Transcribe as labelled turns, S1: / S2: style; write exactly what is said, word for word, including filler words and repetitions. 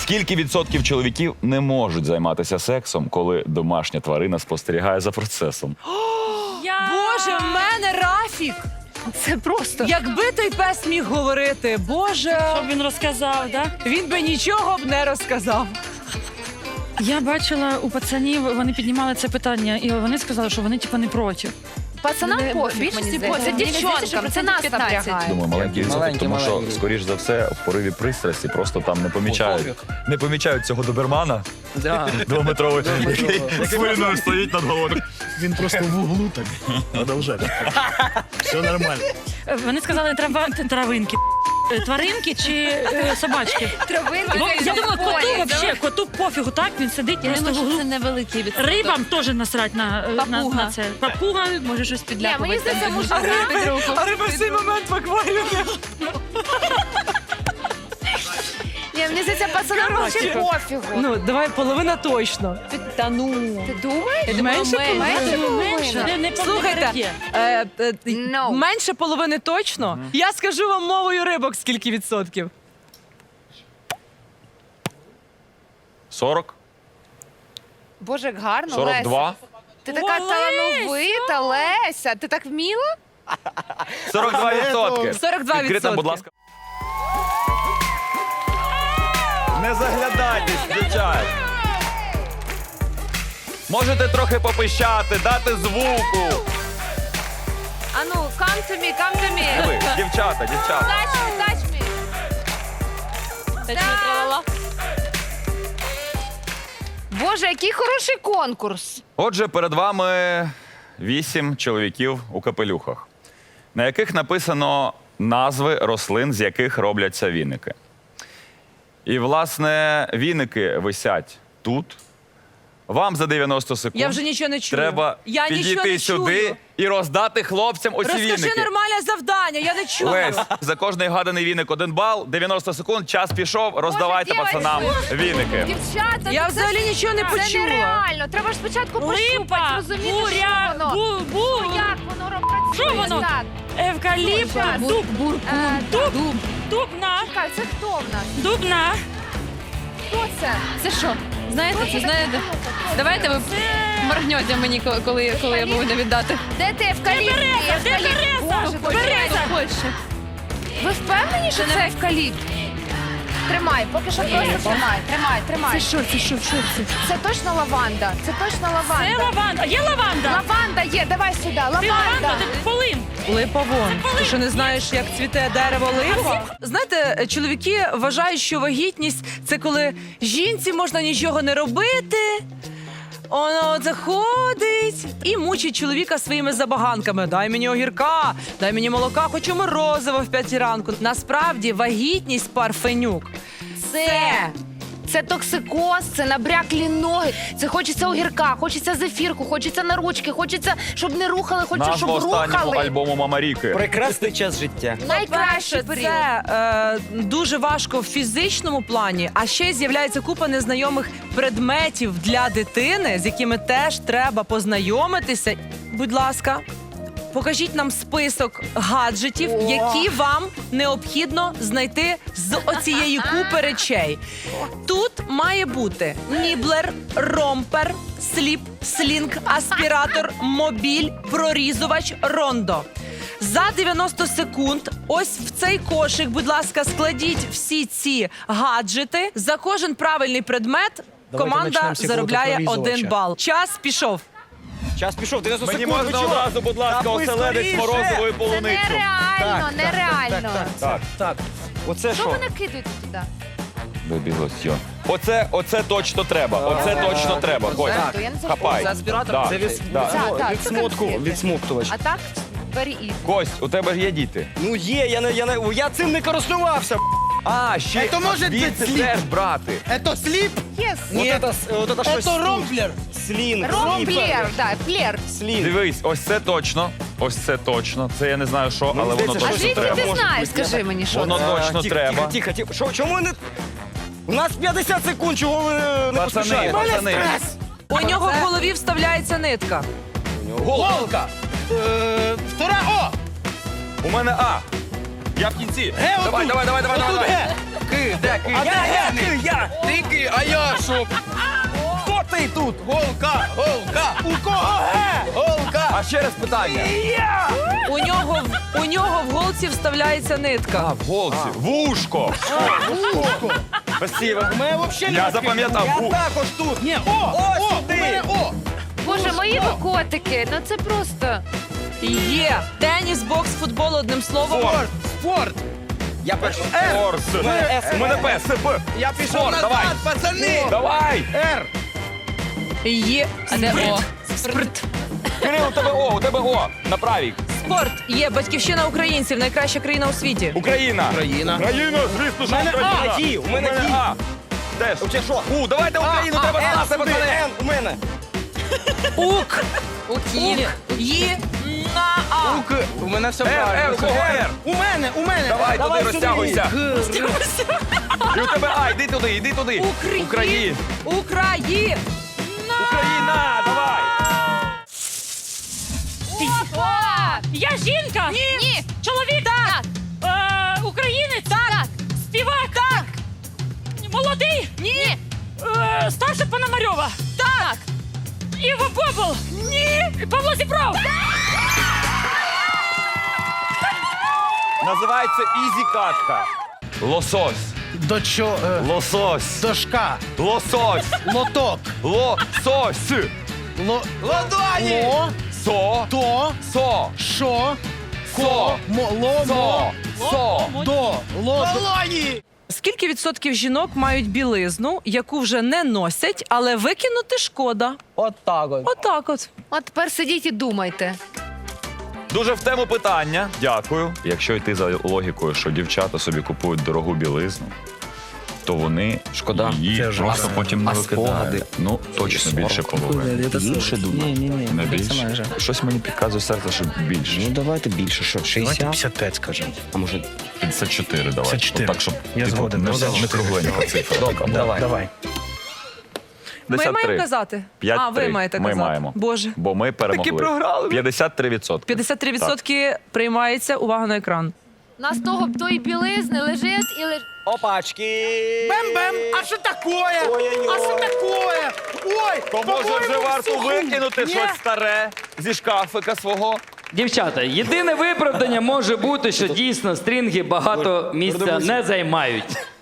S1: Скільки відсотків чоловіків не можуть займатися сексом, коли домашня тварина спостерігає за процесом?
S2: Я...
S3: Боже, в мене Рафік!
S4: Це просто.
S3: Якби той пес міг говорити, Боже,
S2: Щоб він розказав, да?
S3: він би нічого б не розказав.
S2: Я бачила у пацанів, вони піднімали це питання, і вони сказали, що вони типу не проти.
S4: Пацанам
S5: Не-
S4: пофіг,
S5: більшості
S4: мені
S5: пофіг.
S4: здається.
S5: Мені здається, що
S4: Дівчонкам, це нас
S5: процентів п'ятнадцять.
S4: напрягає.
S1: Думаю, маленький відсоток,
S6: Маленький,
S1: тому що,
S6: маленький.
S1: скоріш за все, в пориві пристрасті просто там не помічають. Не помічають цього добермана
S6: Да.
S1: двометровий, який з хвилиною стоїть над головою.
S7: Він просто в углу так продовжає. Все нормально.
S2: Е, Вони сказали трава... травинки. Е, Тваринки чи е, собачки?
S4: Травинки.
S2: Бо
S4: це
S2: я думала, коту
S4: полі,
S2: вообще, коту пофігу, так? Він сидить
S5: Я
S2: просто
S5: думаю,
S2: в
S5: що це
S2: углу.
S5: невеликий відсоток.
S2: Рибам теж насрать на, е, на,
S5: Папуга.
S2: на це. Папуга,
S5: Може щось
S4: Ні,
S5: підляпувати.
S4: мені здається,
S5: там,
S4: може
S5: під
S4: риби.
S5: руку.
S3: А риба в цей момент в акваріумі.
S4: Ні, мені здається, пацанам
S3: Коротше.
S4: взагалі пофігу.
S3: Ну, давай половина точно.
S5: Та ну.
S4: Ти думаєш?
S5: Я думала,
S3: Менше
S5: менше.
S4: Менше
S2: Ну,
S4: половини?
S2: менше. Не, не
S3: Слухайте,
S2: попереки.
S3: е, е,
S4: No.
S3: менше половини точно. Я скажу вам мовою рибок, скільки відсотків.
S1: сорок?
S4: Боже, як гарно,
S1: сорок два?
S4: Леся. Ти така
S2: О,
S4: талановита, Леся. Ти так вміла?
S1: сорок два відсотки.
S3: сорок два
S1: Відкрита,
S3: відсотки.
S1: будь ласка. Не заглядайтесь, дівчат. Можете трохи попищати, дати звуку.
S4: Ану, come to me, come to me.
S1: Ви, дівчата, дівчата.
S4: Touch me, touch me.
S5: Та-чу-тра-ла-ла.
S4: Боже, який хороший конкурс.
S1: Отже, перед вами вісім чоловіків у капелюхах, на яких написано назви рослин, з яких робляться віники. І, власне, віники висять тут. Вам за дев'яносто секунд
S3: Я вже нічого не чую.
S1: треба
S3: Я нічого
S1: підійти
S3: не
S1: сюди
S3: чую.
S1: і роздати хлопцям оці
S3: Розкажи
S1: віники.
S3: нормальне завдання, я не чую.
S1: Лесь, за кожний гаданий віник один бал, дев'яносто секунд, час пішов, роздавайте
S4: дівчатки.
S1: пацанам віники.
S4: Дівчата,
S3: Я
S4: ну
S3: взагалі
S4: це,
S3: нічого не
S4: це
S3: почула.
S4: нереально. Треба ж спочатку пощупати,
S2: Липа,
S4: розуміти,
S2: буря,
S4: що воно.
S2: бу, бу,
S4: Ну, як воно ро- працює?
S2: Що воно?
S4: Так.
S2: евкаліпт,
S4: Щас.
S2: дуб,
S4: Е, так,
S2: дуб, дубна,
S4: чекай, це хто в нас?
S2: дубна.
S4: Хто це?
S5: Це що? Знаєте, це знаєте? Давайте ви моргнете мені, коли- коли, коли я буду віддати.
S4: Де ти евкаліпт?
S2: Береза, де
S4: Евкаліпт.
S2: береза?
S4: Боже,
S2: Береза.
S5: Хоче.
S4: Ви впевнені, що це евкаліпт? Тримай, поки що просто тримай, тримай, тримай.
S5: Це що, це що, що це?
S4: Це точно лаванда. Це точно
S2: Це
S4: лаванда.
S2: лаванда. Є лаванда?
S4: Лаванда є, давай сюди,
S2: Ти лаванда,
S4: лаванда.
S2: ти полин.
S3: Липа вон. Ти що не знаєш, як цвіте дерево липа? Знаєте, чоловіки вважають, що вагітність – це коли жінці можна нічого не робити, воно заходить і мучить чоловіка своїми забаганками. Дай мені огірка, дай мені молока, хочу морозиво в п'ятій ранку. Насправді вагітність парфенюк.
S4: Це. Це токсикоз, це набряклі ноги, це хочеться огірка, хочеться зефірку, хочеться на ручки, хочеться, щоб не рухали, хочеться, щоб
S1: Назва останнього
S4: рухали.
S1: альбому Мама Ріки.
S6: Прекрасний час життя.
S4: Найкращий
S3: Перше,
S4: період.
S3: це е, дуже важко в фізичному плані, а ще й з'являється купа незнайомих предметів для дитини, з якими теж треба познайомитися. Будь ласка, покажіть нам список гаджетів, які вам необхідно знайти з оцієї купи речей. Тут має бути ніблер, ромпер, сліп, слінг, аспіратор, мобіль, прорізувач, рондо. За дев'яносто секунд ось в цей кошик, будь ласка, складіть всі ці гаджети. За кожен правильний предмет команда
S7: почнемо з
S3: заробляє
S7: прорізувача.
S3: один бал. Час пішов.
S6: Час пішов, дев'яносто
S1: Мені
S6: секунд.
S1: можна
S6: ви чого?
S1: одразу, будь ласка,
S6: Та ви
S1: оселедець
S6: скоріше!
S1: морозивою
S4: Це
S1: полуницю.
S4: нереально,
S6: Так,
S4: нереально.
S1: Так.
S6: Так, оце
S4: Що
S6: що?
S4: ви накидуєте туди?
S1: Бебі лосьйон. Оце, оце точно треба. Оце точно треба. Кость,
S4: Так, я не знаю.
S1: хапай.
S6: Це аспіратор?
S1: Да.
S6: Це від,
S1: Да.
S4: Так, так,
S6: від
S4: це
S6: смутку,
S4: конфети.
S6: відсмоктувач.
S4: А так, very easy.
S1: Кость, у тебе ж є діти.
S6: Ну є, я не, я не, я цим не користувався.
S1: А, ще
S7: Це може
S1: звідси
S7: бути сліп.
S1: теж брати.
S7: Это слип,
S4: Yes.
S6: Вот это, вот это щось.
S7: это ромплер.
S6: Слінг.
S4: Ромплер, да, плер.
S6: Слінг.
S1: Дивись, ось це точно. Ось це точно. Це я не знаю що, але воно
S6: здається,
S4: А
S1: точно
S4: звідки
S1: треба.
S4: ти
S6: Може
S4: знаєш,
S6: бути,
S4: скажи мені, що
S1: Воно
S4: це?
S1: точно
S6: тихо,
S1: треба.
S6: Тихо, тихо, тихо. Що, чому ви не... У нас п'ятдесят секунд, чого ви не
S1: Пацани,
S6: поспішаєте?
S1: пацани.
S3: У нього в голові вставляється нитка.
S7: Голка. Е, Втора, о!
S1: У мене А. Я в кінці.
S7: Г
S1: Давай,
S7: отут.
S1: давай, давай, давай,
S7: Отут
S1: давай.
S7: Г.
S6: Ки, де ки? А де я? Ки, я. Ти ки, а я що? Хто ти тут? Голка, голка. У кого ге? Голка.
S1: А ще раз питання.
S3: У нього, в- у нього в голці вставляється нитка.
S1: А, в голці. Вушко. Спасибо.
S6: Ми взагалі
S1: Я запам'ятав.
S6: Я
S1: Ву-
S6: також тут. Ні, о,
S1: О,
S6: о,
S1: сюди.
S6: у мене о.
S4: Боже, мої ви котики, ну це просто.
S3: Є. Теніс, бокс, футбол, одним словом.
S1: Спорт.
S6: Спорт. Я перший. Р.
S1: Спорт.
S6: С.
S1: У мене П, С, П.
S6: Я пішов
S1: Спорт,
S6: назад,
S1: давай.
S6: пацани.
S1: Давай.
S6: Р.
S3: Є.
S5: А де О?
S3: Спорт.
S1: Кирил, у тебе О, у тебе О. На правій.
S3: Спорт. Є. Батьківщина українців. Найкраща країна у світі.
S1: Україна.
S6: Україна.
S1: Україна, звісно, що
S6: У мене
S1: Україна.
S6: А, Ді, у мене Ді.
S1: А. Теж.
S6: Чи що?
S1: У, давайте Україну,
S6: А,
S1: треба
S6: Н
S1: знати,
S6: сюди,
S1: пацани.
S6: Н у мене.
S3: Ук.
S5: Укіль.
S3: Є. На А.
S6: Ук. У мене все
S1: Р,
S6: правильно.
S1: Р, у кого Р?
S6: У мене, у мене.
S1: Давай, туди
S6: сюди.
S1: розтягуйся.
S6: Г.
S1: І у тебе А, йди туди, йди туди.
S3: Україн.
S1: Україна.
S3: Україна.
S1: Україна, давай.
S2: Я жінка!
S4: Ні. Ні.
S2: Чоловік! Так! Е, українець!
S4: Так.
S2: Співак! Так! Молодий!
S4: Ні.
S2: Е, старша Пономарьова!
S4: Так.
S2: Іва Бобол! Ні! Павло Зібров!
S1: Називається ізі-катка. Лосось.
S7: До чо... е,
S1: Лосось.
S7: Дошка.
S1: Лосось.
S7: Лоток.
S1: Лосось.
S7: Ло...
S6: Ладоні.
S7: Ло...
S1: Со.
S7: То...
S1: Со.
S7: Шо...
S1: Со.
S7: Мо... Ло...
S1: Со.
S7: Мо...
S1: Со.
S7: До... Ло...
S6: Долоні.
S3: Скільки відсотків жінок мають білизну, яку вже не носять, але викинути шкода?
S6: От так от.
S3: Отак от.
S4: От тепер сидіть і думайте.
S1: Дуже в тему питання. Дякую. Якщо йти за логікою, що дівчата собі купують дорогу білизну, то вони
S8: Шкода.
S1: її
S7: Це ж
S1: просто
S7: раз.
S1: потім не
S8: А
S1: викидають.
S8: спогади?
S1: Ну, точно більше половини.
S8: Більше думаю.
S7: Ні, ні, ні.
S1: Не
S7: Це
S1: більше?
S7: майже.
S1: Щось мені підказує серце, що більше.
S8: Ну давайте більше, що
S7: Давайте
S8: шістдесят,
S7: п'ятдесят п'ять скажемо.
S8: а може
S1: п'ятдесят чотири давай.
S7: п'ятдесят чотири.
S1: Так, щоб
S7: Я
S1: типу,
S7: згоден.
S1: не,
S7: п'ятдесят
S1: не
S7: чотири.
S1: кругленька цифра. така.
S8: Давай.
S7: Давай.
S3: Ми
S1: п'ятдесят три.
S3: маємо казати?
S1: п'ять
S3: А, ви
S1: три.
S3: маєте
S1: Ми
S3: казати.
S1: маємо.
S3: Боже.
S1: Бо ми перемогли.
S6: програли.
S1: п'ятдесят три відсотки.
S3: п'ятдесят три відсотки приймається. Увага на екран.
S4: У нас того тої білизни лежить і лежить.
S6: Опачки. Бем-бем. А що такое? А що такое? Ой,
S1: То може вже
S6: по-моєму,
S1: варто
S6: суху.
S1: викинути
S6: Ні.
S1: щось старе зі шкафика свого.
S9: Дівчата, єдине виправдання може бути, що дійсно стрінги багато місця не займають.